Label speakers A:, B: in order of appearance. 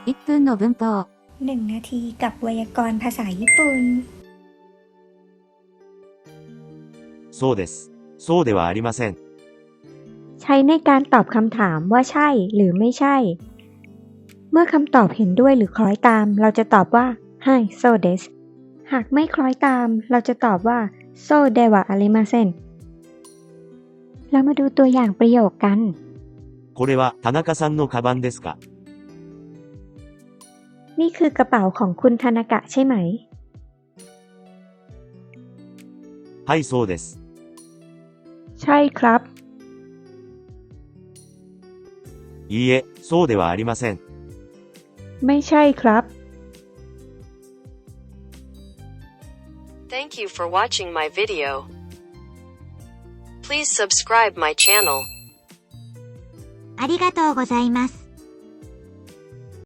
A: 1分の文法
B: 1 นาทีกับไวยากรณ์ภาษาญี่ปุ่น
C: そうです。そうではありません。
D: ใช้ในการตอบคำถามว่าใช่หรือไม่ใช่ เมื่อคำตอบเห็นด้วยหรือคล้อยตาม เราจะตอบว่าはい、そうです。หากไม่คล้อยตาม เราจะตอบว่าそうではありません。เรามาดูตัวอย่างประโยคกัน
C: これは田中さんのカバンですか？
D: นี่คือกระเป๋าของคุณทานากะใช่ไหม
C: はい、そうです。
D: ใช่ครับ
C: いいえ、そうではありません。
D: ไม่ใช่ครับ
E: Thank you for watching my video. Please subscribe my channel.
F: ありがとうございます。